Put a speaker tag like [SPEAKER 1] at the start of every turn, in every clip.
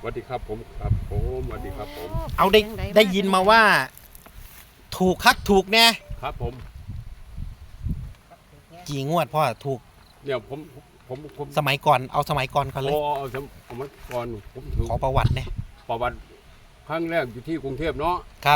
[SPEAKER 1] สวัสดีครับผมครับผมสวัสดีครับผม
[SPEAKER 2] เอาได้ยินมาว่า ถูกคักถูกแน่
[SPEAKER 1] ครับผม
[SPEAKER 2] กี่งวดพ่อถูก
[SPEAKER 1] เนี่ยผม
[SPEAKER 2] สมัยก่อนเอาสมัยก่อนก่อนเลย
[SPEAKER 1] เอาสมัยก่อนผมถือ
[SPEAKER 2] ขอประวัติเนี่ย
[SPEAKER 1] ประวัติครั้งแรกอยู่ที่กรุงเทพเนาะ
[SPEAKER 2] ครับ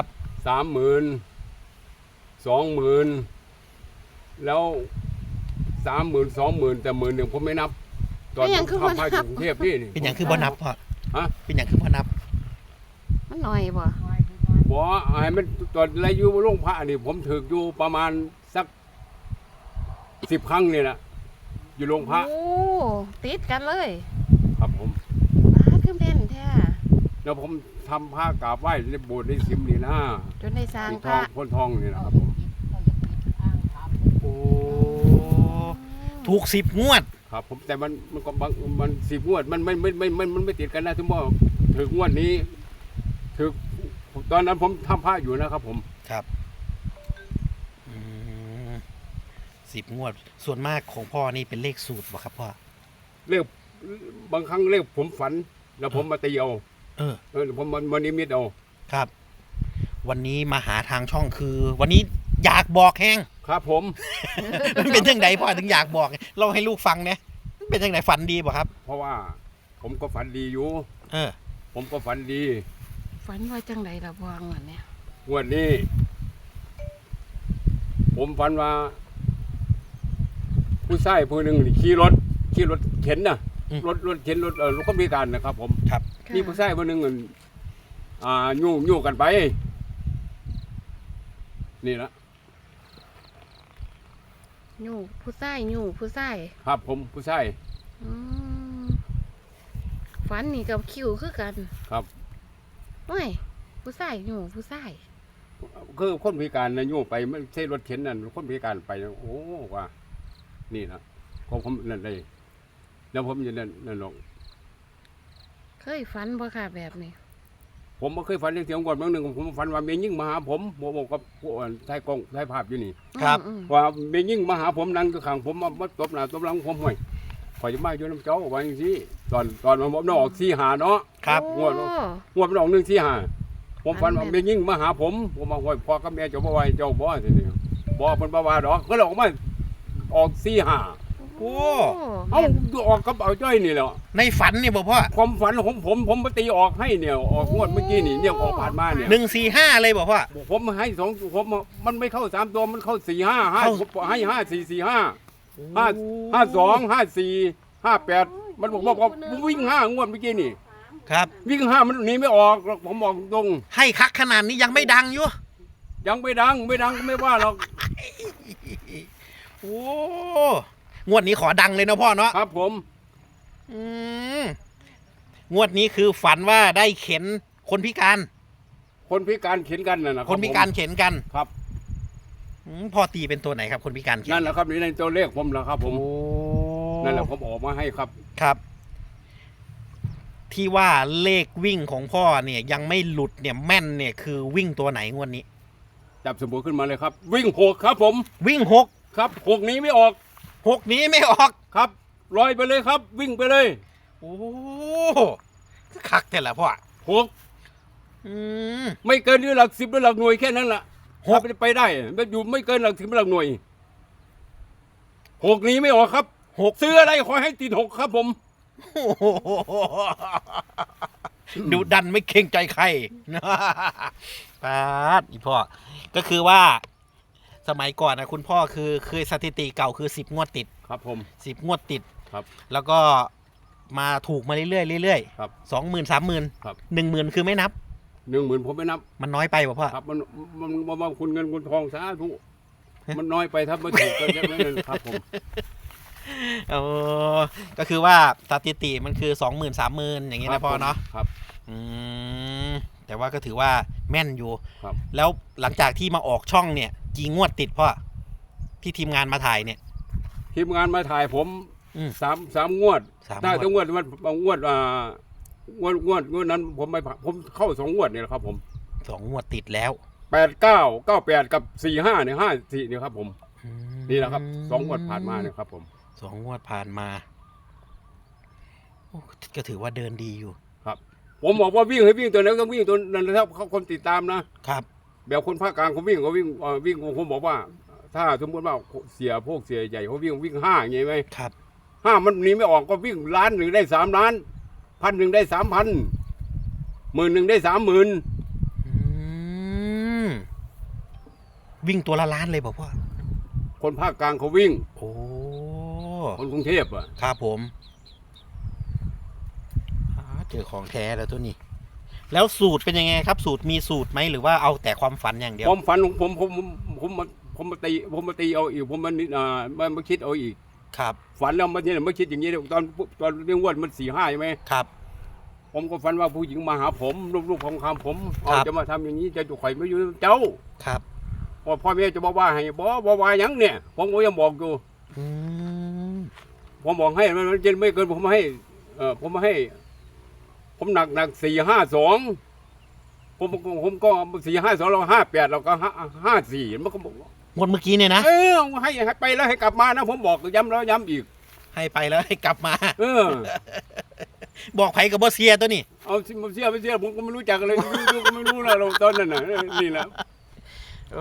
[SPEAKER 1] 30,000 20,000แล้ว30,000 20,000แต่10,000ผมไม่นับตอนผมทำให้กรุงเทพนี่
[SPEAKER 2] เป็นอย่างคือบ่นับพ่อ
[SPEAKER 1] ฮะ
[SPEAKER 2] เป็นอย่างคือบ่นับ
[SPEAKER 3] มันหน่อยบ่
[SPEAKER 1] บ่ให้มันตอนไรอยู่โรงพระนี่ผมถืออยู่ประมาณสัก10 ครั้งนี่แหละอยู่โรงพระ
[SPEAKER 3] โอ้ติดกันเลย
[SPEAKER 1] ครับผม
[SPEAKER 3] บ้าขึ้นเป็นแท้
[SPEAKER 1] แล้วผมทำผ้ากราบไหว้ในโบสถ์ในสิมนี่นะ
[SPEAKER 3] จนได้สร้างพ
[SPEAKER 1] ทอ
[SPEAKER 3] ระ
[SPEAKER 1] งพ่นทองนี่นะครับผม
[SPEAKER 2] โอ้ถูก10 งวด
[SPEAKER 1] ครับผมแต่มันก็บางมัน10 งวดมันไม่ติดกันนะทุกบ่ถึงงวดนี้ถึงตอนนั้นผมทำผ้าอยู่นะครับผม
[SPEAKER 2] ครับ10 งวดส่วนมากของพ่อนี่เป็นเลขสูตรบ่ครับพ่อ
[SPEAKER 1] เลขบางครั้งเลขผมฝันแล้วผมมาตีเอาผมมันนิมิตเอา
[SPEAKER 2] ครับ วันนี้มาหาทางช่องคือ วันนี้อยากบอกแห้ง
[SPEAKER 1] ครับผม
[SPEAKER 2] มันเป็นจังไดพ่อถึงอยากบอกเล่าให้ลูกฟังเนี่ยเป็นจังไดฝันดีบ่ครับ
[SPEAKER 1] เพราะว่าผมก็ฝันดีอยู่ผมก็ฝันดี
[SPEAKER 3] ฝันว่าจังไดล่ะบ่งวดเนี่ย
[SPEAKER 1] งวดนี้ผมฝันว่าผู้ชายผู้หนึ่งขี่รถเข็นนะรถเข็นรถคนพิการนะครับผม
[SPEAKER 2] ครับ
[SPEAKER 1] นี่ผู้ชายผู้หนึ่งยู่กันไปนี่นะ
[SPEAKER 3] ยู่ผู้ชาย
[SPEAKER 1] ครับผมผู้ชาย
[SPEAKER 3] ฝันนี่กับคิวคือกัน
[SPEAKER 1] ครับ
[SPEAKER 3] ไม่ผู้ชาย
[SPEAKER 1] คือคนพิการนะยู่ไปไม่ใช่รถเข็นนั่นคนพิการไปโอ้ว่านี่นะผมนั่นเลยแล้วผมจะนั่นหรอก
[SPEAKER 3] เคยฝันบ่ค่ะแบบนี้
[SPEAKER 1] ผมไม่เคยฝันเรื่องเสียงก่อนบางหนึ่งผมฝันว่าเมียยิ่งมาหาผมบอกกับผู้ถ่ายกล้องถ่ายภาพอยู่นี่
[SPEAKER 2] ครับ
[SPEAKER 1] ว่าเมียยิ่งมาหาผมนั่งอยู่ข้างผมมาตบหน้าตบหลังผมห่วยข่อยจะมาอยู่น้ำเจ้าว่าอย่างนี้ตอนมันออก4-5เนาะ
[SPEAKER 2] ครับ
[SPEAKER 1] งวดมันออก1-4-5ผมฝันว่าเมียยิ่งมาหาผมมาห่วยพ่อกับแม่เจ้าบ่ไหวเจ้าบ่ทีนี้บ่เป็นบ่ว่าดอกก็เลยออกมาออก4-5
[SPEAKER 2] โอ้
[SPEAKER 1] เอาออกกับเอาจ้อยนี่แหละ
[SPEAKER 2] ในฝันนี่บ่พ่อ
[SPEAKER 1] ความฝันของผมไปตีออกให้เนี่ยออกงวดเมื่อกี้นี่เนี่ยออกผ่านมาเนี่ย
[SPEAKER 2] 145เลยบ่พ่อ
[SPEAKER 1] ผมให้2ผมมันไม่เข้า3ตัวมันเข้า4-5ให้5-4-4-5 5-2-5-4-5-8มันบอกว่าวิ่ง5งวดเมื่อกี้นี่
[SPEAKER 2] ครับ
[SPEAKER 1] วิ่ง5มันหนีไม่ออกผมบอกตรง
[SPEAKER 2] ให้คักขนาดนี้ยังไม่ดังอยู่
[SPEAKER 1] ยังไม่ดังไม่ว่าหรอก
[SPEAKER 2] โอ้งวดนี้ขอดังเลยนะพ่อเนาะ
[SPEAKER 1] ครับผม
[SPEAKER 2] งวดนี้คือฝันว่าได้เข็นคนพิการ
[SPEAKER 1] เข็นกันนะ
[SPEAKER 2] คนพิการเข็นกัน
[SPEAKER 1] ครับ
[SPEAKER 2] พ่อตีเป็นตัวไหนครับคนพิการเข็น
[SPEAKER 1] นั่นแหละครับนี่ในตัวเลขผมแหละครับผมนั่นแหละผมออกมาให้ครับ
[SPEAKER 2] ครับที่ว่าเลขวิ่งของพ่อเนี่ยยังไม่หลุดเนี่ยแม่นเนี่ยคือวิ่งตัวไหนงวดนี้
[SPEAKER 1] จับสมบูรณ์ขึ้นมาเลยครับวิ่ง6ครับผม
[SPEAKER 2] วิ่ง6
[SPEAKER 1] ครับ6นี้ไม่ออก
[SPEAKER 2] 6นี้ไม่ออก
[SPEAKER 1] ครับลอยไปเลยครับวิ่งไปเลย
[SPEAKER 2] โอ้คักแต่ละพ่อ
[SPEAKER 1] 6ไม่เกินหลัก10หรือหลักหน่วยแค่นั้นแหละ6ไปได้ไม่อยู่ไม่เกินหลัก10หลักหน่วย6นี้ไม่ออกครับ6ซื้ออะไรขอให้ติด6ครับผม
[SPEAKER 2] ดูดันไม่เกรงใจใครปาดอีพ่อก็คือว่าสมัยก่อนนะคุณพ่อคือเคยสถิติเก่าคือ10 งวดติด
[SPEAKER 1] ครับผม
[SPEAKER 2] 10 งวดติด
[SPEAKER 1] ครับ
[SPEAKER 2] แล้วก็มาถูกมาเรื่อย
[SPEAKER 1] ครับ
[SPEAKER 2] 20,000 30,000
[SPEAKER 1] ครับ
[SPEAKER 2] 10,000คือไม่นับ
[SPEAKER 1] 10,000ผมไม่นับ
[SPEAKER 2] มันน้อยไปป่ะพ่อ
[SPEAKER 1] ครับมันคุณเงินคุณทองสาธุมันน้อยไปถ้าไม่ถูกก็จะไม่ครับผม
[SPEAKER 2] ก็คือว่าสถิติมันคือ20,000 30,000อย่างนี้นะพ่อเนาะ
[SPEAKER 1] ครับ
[SPEAKER 2] แต่ว่าก็ถือว่าแม่นอยู่
[SPEAKER 1] ครับ
[SPEAKER 2] แล้วหลังจากที่มาออกช่องเนี่ยกี่งวดติดพ่อที่ทีมงานมาถ่ายเนี่ย
[SPEAKER 1] ทีมงานมาถ่ายผมสามงวดถ้าทั้งงวดมันงวดนั้นผมเข้า2 งวดเนี่ยครับผม
[SPEAKER 2] 2 งวดติดแล้ว
[SPEAKER 1] 8-9-9-8กับ4-5เนี่ย5-4เนี่ยครับผมนี่แหละครับ2 งวดผ่านมาเนี่ยครับผม
[SPEAKER 2] 2 งวดผ่านมาก็ถือว่าเดินดีอยู่
[SPEAKER 1] ครับผมบอกว่าวิ่งให้วิ่งตัวไหนก็วิ่งตัวนั้นนะครับเขาคนติดตามนะครับ แบบคนภาคกลางเขาวิ่งวิ่งผมบอกว่า ถ้าสมมติว่าเสียใหญ่เขาวิ่ง5อย่างงี้ไหม
[SPEAKER 2] ครับ
[SPEAKER 1] 5มันหนีไม่ออกก็วิ่ง1 ล้านได้3 ล้าน1,000ได้3,000 10,000ได้30,000
[SPEAKER 2] วิ่งตัวละล้านเลยบอกพ่อ
[SPEAKER 1] คนภาคกลางเขาวิ่ง
[SPEAKER 2] โอ้
[SPEAKER 1] คนกรุงเทพอ่ะ
[SPEAKER 2] ครับผมเจอของแท้แล้วตัวนี้ แล้วสูตรเป็นยังไงครับ สูตรมีสูตรไหมหรือว่าเอาแต่ความฝันอย่างเดียว
[SPEAKER 1] ความฝันของผมมาตีเอาอีกผมมาคิดเอาอีก
[SPEAKER 2] ครับ
[SPEAKER 1] ฝันแล้วมันเนี่ยมาคิดอย่างนี้ตอนเรื่องวันมัน4-5ใช่ไหม
[SPEAKER 2] ครับ
[SPEAKER 1] ผมก็ฝันว่าผู้หญิงมาหาผมลูกของคำผม
[SPEAKER 2] ครับ
[SPEAKER 1] จะมาทำอย่างนี้จะข่อยไม่อยู่เจ้า
[SPEAKER 2] ครับ
[SPEAKER 1] พ่อแม่จะบอกว่าให้บอกว่าหยังเนี่ยผมก็ยังบอกอยู่
[SPEAKER 2] อืม
[SPEAKER 1] ผมบอกให้มันจะไม่เกินผมให้ผมหนัก4-5-2ผมก็4-5-2เรา5-8เราก็5-4มันก็บอก
[SPEAKER 2] งวดเมื่อกี้เนี่ยนะ
[SPEAKER 1] ให้ไปแล้วให้กลับมานะผมบอกย้ำแล้วย้ำอีก
[SPEAKER 2] ให้ไปแล้วให้กลับมาบอกไผกับบอเซียตัวนี้
[SPEAKER 1] เอาไม่เชื่อผมก็ไม่รู้จักเลยก็ไม่รู้แล้วเราตอนนั้นน่ะนี่แหละ
[SPEAKER 2] โอ้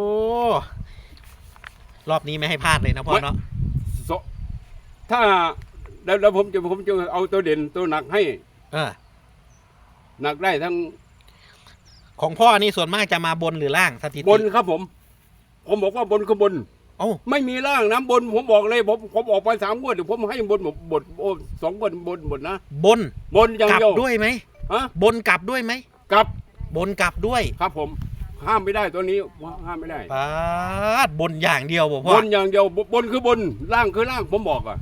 [SPEAKER 2] รอบนี้ไม่ให้พลาดเลยนะพ่อเนาะ
[SPEAKER 1] ถ้าแล้วผมจะเอาตัวเด่นตัวหนักให้ หนักได้ทั้ง
[SPEAKER 2] ของพ่อนี่ส่วนมากจะมาบนหรือล่างสถิติ
[SPEAKER 1] บนครับผมบอกว่าบนคือบน
[SPEAKER 2] โอ้
[SPEAKER 1] ไม่มีล่างน้ำบนผมบอกเลยผมออกไป3 งวดเดี๋ยวผมให้บน2 งวดบนนะ
[SPEAKER 2] บน
[SPEAKER 1] บนอย่าง
[SPEAKER 2] กลับ
[SPEAKER 1] เดียว
[SPEAKER 2] ด้วยไหม
[SPEAKER 1] ฮะ
[SPEAKER 2] บนกลับด้วยไหม
[SPEAKER 1] กลับบ
[SPEAKER 2] นกลับด้วย
[SPEAKER 1] ครับผมห้ามไม่ได้ตัวนี้ห้ามไม่ได้
[SPEAKER 2] ปาดบนอย่างเดียวบอกพ่
[SPEAKER 1] บ
[SPEAKER 2] อน
[SPEAKER 1] อย่างเดียวบนคือบนล่างคือล่างผมบอกอ่ะ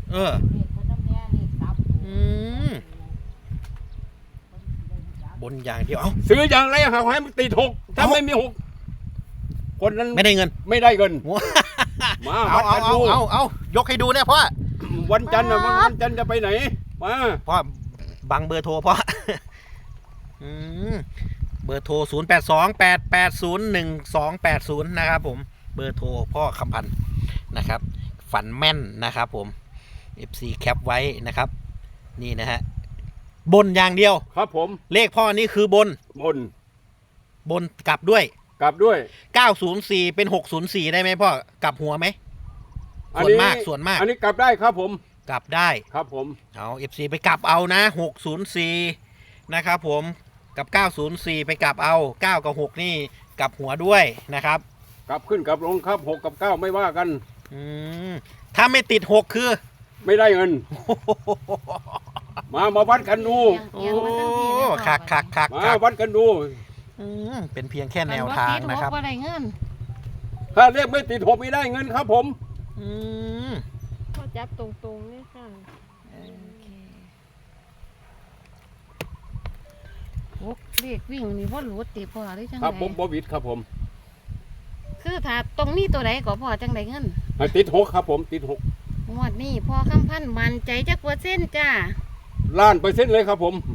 [SPEAKER 2] อืมบนอย่างเดียว เอ้า
[SPEAKER 1] ซื้ออย่างไรหาให้มันติด6ถ้าไม่มี6คนนั้น
[SPEAKER 2] ไม่ได้เงิน
[SPEAKER 1] ไม่ได้เงิน
[SPEAKER 2] โอ้
[SPEAKER 1] มา
[SPEAKER 2] เอา
[SPEAKER 1] วัดกันดู
[SPEAKER 2] เอายกให้ดูเนี่ยพ่อ
[SPEAKER 1] วันจันทร์วันจันทร์จะไปไหนมา
[SPEAKER 2] พ่อบังเบอร์โทรพ่อ อืมเบอร์โทร0828801280นะครับผมเบอร์โทรพ่อคำพันธ์นะครับ ฝันแม่นนะครับผม FC แคปไว้นะครับ นี่นะฮะบนอย่างเดียว
[SPEAKER 1] ครับผม
[SPEAKER 2] เลขพ่อนี่คือบน
[SPEAKER 1] บน
[SPEAKER 2] กลับด้วย
[SPEAKER 1] กลับด้วย
[SPEAKER 2] 904เป็น604ได้ไหมพ่อกลับหัวไหมส่วนมาก
[SPEAKER 1] อันนี้กลับได้ครับผม
[SPEAKER 2] กลับได้
[SPEAKER 1] ครับผม
[SPEAKER 2] เอา FC ไปกลับเอานะ604นะครับผมกับ904ไปกลับเอา9กับ6นี่กลับหัวด้วยนะครับ
[SPEAKER 1] กลับขึ้นกลับลงครับ6 กับ 9ไม่ว่ากัน
[SPEAKER 2] อืมถ้าไม่ติด6คือ
[SPEAKER 1] ไม่ได้เงิน มาวัดกันดู
[SPEAKER 2] โอ้คัก
[SPEAKER 1] มาวัดกันดู
[SPEAKER 2] เป็นเพียงแค่แนวทางนะครับ
[SPEAKER 3] บ่ได้เงิน
[SPEAKER 1] ถ้าเลขไม่ติด6ไม่ได้เงินครับผม
[SPEAKER 2] อืม
[SPEAKER 4] พ่อจับตรงๆเลยค่ะ
[SPEAKER 3] เลขวิ่งนี่บ่หลุดติพ่อหรือจัง
[SPEAKER 1] ครับ
[SPEAKER 3] ได
[SPEAKER 1] ผมบวิดครับผม
[SPEAKER 3] คือถ้าตรงนี้ตัวใดก็พ่อจังไดเงิน
[SPEAKER 1] ติด6ครับผมติด6
[SPEAKER 3] งวดนี้พ่อคำพันธ์มั่นใจจักเปอร์เซ็นต์จ้า
[SPEAKER 1] ล้านเปอร์เซ็นต์เลยครับผม